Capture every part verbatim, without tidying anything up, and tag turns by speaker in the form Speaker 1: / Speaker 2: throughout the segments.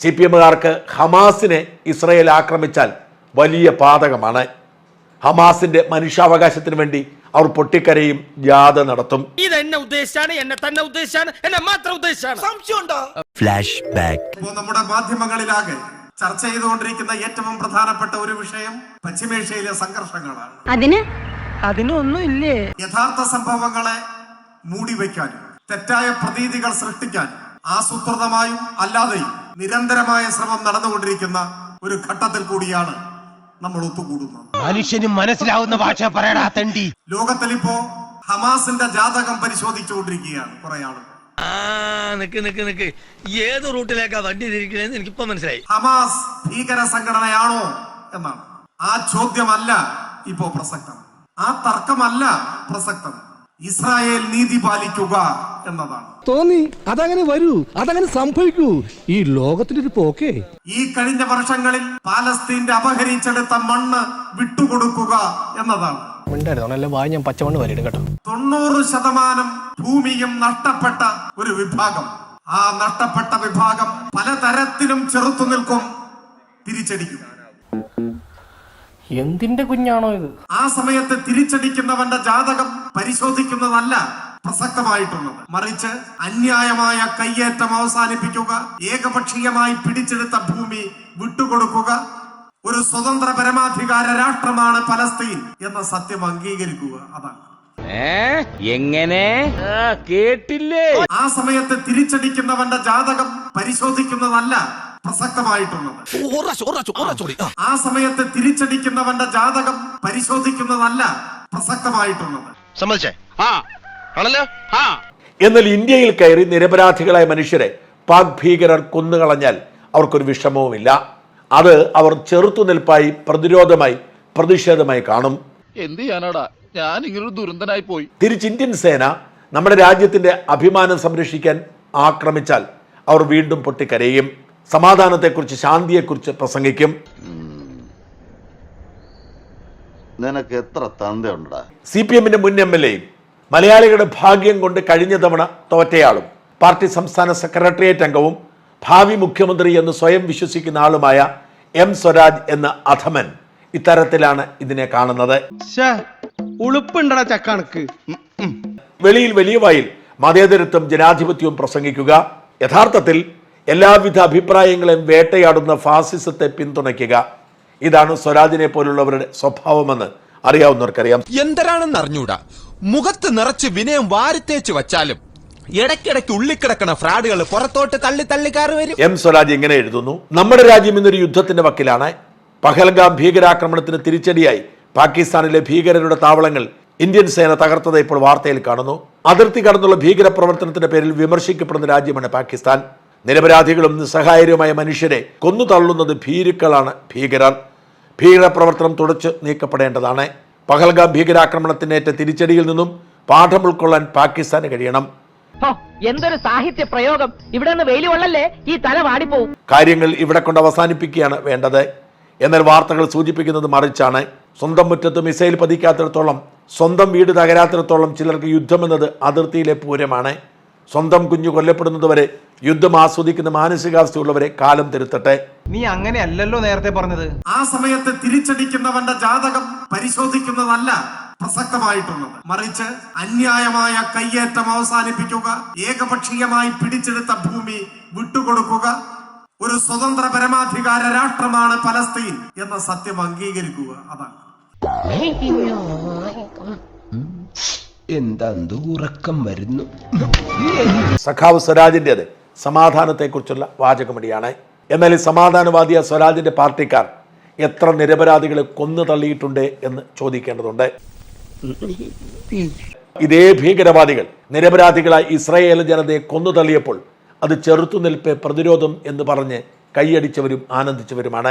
Speaker 1: C P എമ്മുകാർക്ക് ഹമാസിനെ Israel ആക്രമിച്ചാൽ വലിയ പാതകമാണ്. ഹമാസിന്റെ മനുഷ്യാവകാശത്തിന് വേണ്ടി അവർ പൊട്ടിക്കരയും ജാഥ നടത്തും.
Speaker 2: Flash back.
Speaker 3: നമ്മുടെ മാധ്യമങ്ങളിലാകെ ചർച്ച ചെയ്തുകൊണ്ടിരിക്കുന്ന ഏറ്റവും പ്രധാനപ്പെട്ട ഒരു വിഷയം പശ്ചിമേഷ്യയിലെ സംഘർഷങ്ങളാണ്.
Speaker 4: അതിന് അതിനൊന്നും ഇല്ലേ?
Speaker 3: യഥാർത്ഥ സംഭവങ്ങളെ മൂടിവെക്കാനും തെറ്റായ പ്രതീതികൾ സൃഷ്ടിക്കാനും ആസൂത്രിതമായും അല്ലാതെയും നിരന്തരമായ ശ്രമം നടന്നുകൊണ്ടിരിക്കുന്ന ഒരു ഘട്ടത്തിൽ കൂടിയാണ് നമ്മൾ ഒത്തുകൂടുന്നത്.
Speaker 2: മനുഷ്യന് മനസ്സിലാവുന്ന ഭാഷ പറയടാ തണ്ടി.
Speaker 3: ലോകത്തിൽ ഇപ്പോ ഹമാസിന്റെ ജാതകം പരിശോധിച്ചുകൊണ്ടിരിക്കുകയാണ് കുറെ ആളുകൾ.
Speaker 5: ഏത് റൂട്ടിലേക്കാ വണ്ടി തിരിക്കണേന്ന് എനിക്കിപ്പോ മനസ്സിലായി.
Speaker 3: ഹമാസ് ഭീകര സംഘടനയാണോ എന്നാണ്. ആ ചോദ്യമല്ല ഇപ്പോ പ്രസക്തം, ആ തർക്കമല്ല പ്രസക്തം. ഇസ്രായേൽ നീതി പാലിക്കുക എന്നതാണ്.
Speaker 6: തോന്നി അതങ്ങനെ വരൂ, അതങ്ങനെ സംഭവിക്കൂ. ഈ ലോകത്തിന്റെ ഒരു പോക്കേ.
Speaker 3: ഈ കഴിഞ്ഞ വർഷങ്ങളിൽ പാലസ്തീന്റെ അപഹരിച്ചെടുത്ത മണ്ണ് വിട്ടുകൊടുക്കുക എന്നതാണ്. തൊണ്ണൂറ് ശതമാനം ഭൂമിയും നഷ്ടപ്പെട്ട ഒരു വിഭാഗം. ആ നഷ്ടപ്പെട്ട വിഭാഗം പലതരത്തിലും ചെറുത്തു നിൽക്കും, തിരിച്ചടിക്കും.
Speaker 7: എന്തിന്റെ കുഞ്ഞാണോ ഇത്?
Speaker 3: ആ സമയത്ത് തിരിച്ചടിക്കുന്നവന്റെ ജാതകം പരിശോധിക്കുന്നതല്ല പ്രസക്തമായിട്ടുള്ളത്, മറിച്ച് അന്യായമായ കയ്യേറ്റം അവസാനിപ്പിക്കുക, ഏകപക്ഷീയമായി പിടിച്ചെടുത്ത ഭൂമി വിട്ടുകൊടുക്കുക, ഒരു സ്വതന്ത്ര പരമാധികാര രാഷ്ട്രമാണ് പലസ്തീൻ എന്ന സത്യം അംഗീകരിക്കുക. അതാണ്.
Speaker 5: എങ്ങനെ കേട്ടില്ലേ?
Speaker 3: ആ സമയത്ത് തിരിച്ചടിക്കുന്നവന്റെ ജാതകം പരിശോധിക്കുന്നതല്ല പ്രസക്തമായിട്ടുള്ളത്. ആ സമയത്ത് തിരിച്ചടിക്കുന്നവന്റെ ജാതകം പരിശോധിക്കുന്നതല്ല പ്രസക്തമായിട്ടുള്ളത്.
Speaker 1: എന്നാൽ ഇന്ത്യയിൽ കയറി നിരപരാധികളായ മനുഷ്യരെ പാക് ഭീകരർ കൊന്നുകളഞ്ഞാൽ അവർക്കൊരു വിഷമവുമില്ല. അത് അവർ ചെറുത്തുനിൽപ്പായി, പ്രതിരോധമായി, പ്രതിഷേധമായി കാണും.
Speaker 8: എന്ത് ചെയ്യാനാടാ, ഞാൻ ഇങ്ങനൊരു ദുരന്തനായി പോയി.
Speaker 1: തിരിച്ച് ഇന്ത്യൻ സേന നമ്മുടെ രാജ്യത്തിന്റെ അഭിമാനം സംരക്ഷിക്കാൻ ആക്രമിച്ചാൽ അവർ വീണ്ടും പൊട്ടിക്കരയും, സമാധാനത്തെക്കുറിച്ച്, ശാന്തിയെക്കുറിച്ച് പ്രസംഗിക്കും.
Speaker 9: നിനക്ക് എത്ര തന്തയുണ്ടാ?
Speaker 1: സി പി എമ്മിന്റെ മുൻ എം എൽ എയും മലയാളികളുടെ ഭാഗ്യം കൊണ്ട് കഴിഞ്ഞ തവണ തോറ്റയാളും പാർട്ടി സംസ്ഥാന സെക്രട്ടേറിയറ്റ് അംഗവും ഭാവി മുഖ്യമന്ത്രി എന്ന് സ്വയം വിശ്വസിക്കുന്ന ആളുമായ എം സ്വരാജ് എന്ന അധമൻ ഇത്തരത്തിലാണ് ഇതിനെ കാണുന്നത്. വെളിയിൽ വലിയ വായിൽ മതേതരത്വം, ജനാധിപത്യവും പ്രസംഗിക്കുക, യഥാർത്ഥത്തിൽ എല്ലാവിധ അഭിപ്രായങ്ങളെയും വേട്ടയാടുന്ന ഫാസിസത്തെ പിന്തുണയ്ക്കുക, ഇതാണ് സ്വരാജിനെ പോലുള്ളവരുടെ സ്വഭാവമെന്ന് അറിയാവുന്നവർക്കറിയാം.
Speaker 10: എന്തരാണെന്ന് അറിഞ്ഞൂടാ, മുഖത്ത് നിറച്ച് വിനയം വാരിത്തേച്ച് വച്ചാലും ഇടയ്ക്കിടയ്ക്ക് ഉള്ളിക്കിടക്കണ ഫ്രാഡുകൾ പുറത്തോട്ട് തള്ളി തള്ളിക്കാറ് വരും.
Speaker 1: എം സ്വരാജ് ഇങ്ങനെ എഴുതുന്നു: നമ്മുടെ രാജ്യം ഇന്നൊരു യുദ്ധത്തിന്റെ വക്കിലാണ്. പഹൽഗാം ഭീകരാക്രമണത്തിന് തിരിച്ചടിയായി പാകിസ്ഥാനിലെ ഭീകരരുടെ താവളങ്ങൾ ഇന്ത്യൻ സേന തകർത്തത് ഇപ്പോൾ വാർത്തയിൽ കാണുന്നു. അതിർത്തി കടന്നുള്ള ഭീകര പ്രവർത്തനത്തിന്റെ പേരിൽ വിമർശിക്കപ്പെടുന്ന രാജ്യമാണ് പാകിസ്ഥാൻ. നിരപരാധികളും നിസ്സഹായരുമായ മനുഷ്യരെ കൊന്നു തള്ളുന്നത് ഭീരുക്കളാണ് ഭീകരർ. ഭീകര പ്രവർത്തനം തുടച്ചു നീക്കപ്പെടേണ്ടതാണ്. പഹൽഗാം ഭീകരാക്രമണത്തിനേറ്റ തിരിച്ചടിയിൽ നിന്നും പാഠം ഉൾക്കൊള്ളാൻ പാകിസ്ഥാന് കഴിയണം.
Speaker 4: എന്തൊരു സാഹിത്യ പ്രയോഗം! ഇവിടെ നിന്ന് വെയിൽ കൊള്ളല്ലേ, ഈ തല വാടിപ്പോവും.
Speaker 1: കാര്യങ്ങൾ ഇവിടെ കൊണ്ട് അവസാനിപ്പിക്കുകയാണ് വേണ്ടത്. എന്നാൽ വാർത്തകൾ സൂചിപ്പിക്കുന്നത് മറിച്ചാണ്. സ്വന്തം മുറ്റത്ത് മിസൈൽ പതിക്കാത്തിടത്തോളം, സ്വന്തം വീട് തകരാത്തിടത്തോളം ചിലർക്ക് യുദ്ധമെന്നത് അതിർത്തിയിലെ പൂരമാണ്. സ്വന്തം കുഞ്ഞു കൊല്ലപ്പെടുന്നതുവരെ യുദ്ധം ആസ്വദിക്കുന്ന മാനസികാവസ്ഥയുള്ളവരെ കാലം തിരുത്തട്ടെ.
Speaker 7: നീ അങ്ങനെയല്ലല്ലോ നേരത്തെ പറഞ്ഞത്.
Speaker 3: ആ സമയത്ത് തിരിച്ചടിക്കുന്നവന്റെ ജാതകം പരിശോധിക്കുന്നതല്ല പ്രസക്തമായിട്ടുള്ളത്, മറിച്ച് അന്യായമായ കയ്യേറ്റം അവസാനിപ്പിക്കുക, ഏകപക്ഷീയമായി പിടിച്ചെടുത്ത ഭൂമി വിട്ടുകൊടുക്കുക, ഒരു സ്വതന്ത്ര പരമാധികാര രാഷ്ട്രമാണ് പലസ്തീൻ എന്ന സത്യം അംഗീകരിക്കുക. അതാണ്.
Speaker 2: എന്താ ഉറക്കം വരുന്നു.
Speaker 1: സഖാവ് സ്വരാജിൻ്റെത് സമാധാനത്തെക്കുറിച്ചുള്ള വാചകമടിയാണ്. എന്നാൽ ഈ സമാധാനവാദിയ സ്വരാജിന്റെ പാർട്ടിക്കാർ എത്ര നിരപരാധികളെ കൊന്നു തള്ളിയിട്ടുണ്ട് എന്ന് ചോദിക്കേണ്ടതുണ്ട്. ഇതേ ഭീകരവാദികൾ നിരപരാധികളായി ഇസ്രായേൽ ജനതയെ കൊന്നു തള്ളിയപ്പോൾ അത് ചെറുത്തുനിൽപ്പ്, പ്രതിരോധം എന്ന് പറഞ്ഞ് കൈയടിച്ചവരും ആനന്ദിച്ചവരുമാണ്.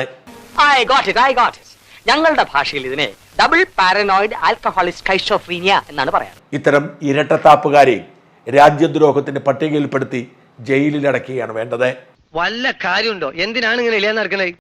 Speaker 4: ഞങ്ങളുടെ ഭാഷയിൽ ഇതിനെ ഡബിൾ പാരനോയിഡ് ആൽക്കഹോളിക് സ്കൈസോഫ്രീനിയ എന്നാണ് പറയാറ്.
Speaker 1: ഇത്തരം ഇരട്ടത്താപ്പുകാരെയും രാജ്യദ്രോഹത്തിന്റെ പട്ടികയിൽപ്പെടുത്തി ജയിലിലടക്കുകയാണ് വേണ്ടത്.
Speaker 5: വല്ല കാര്യമുണ്ടോ? എന്തിനാണ് ഇങ്ങനെ ഇല്ലാന്ന് നടക്കണേ?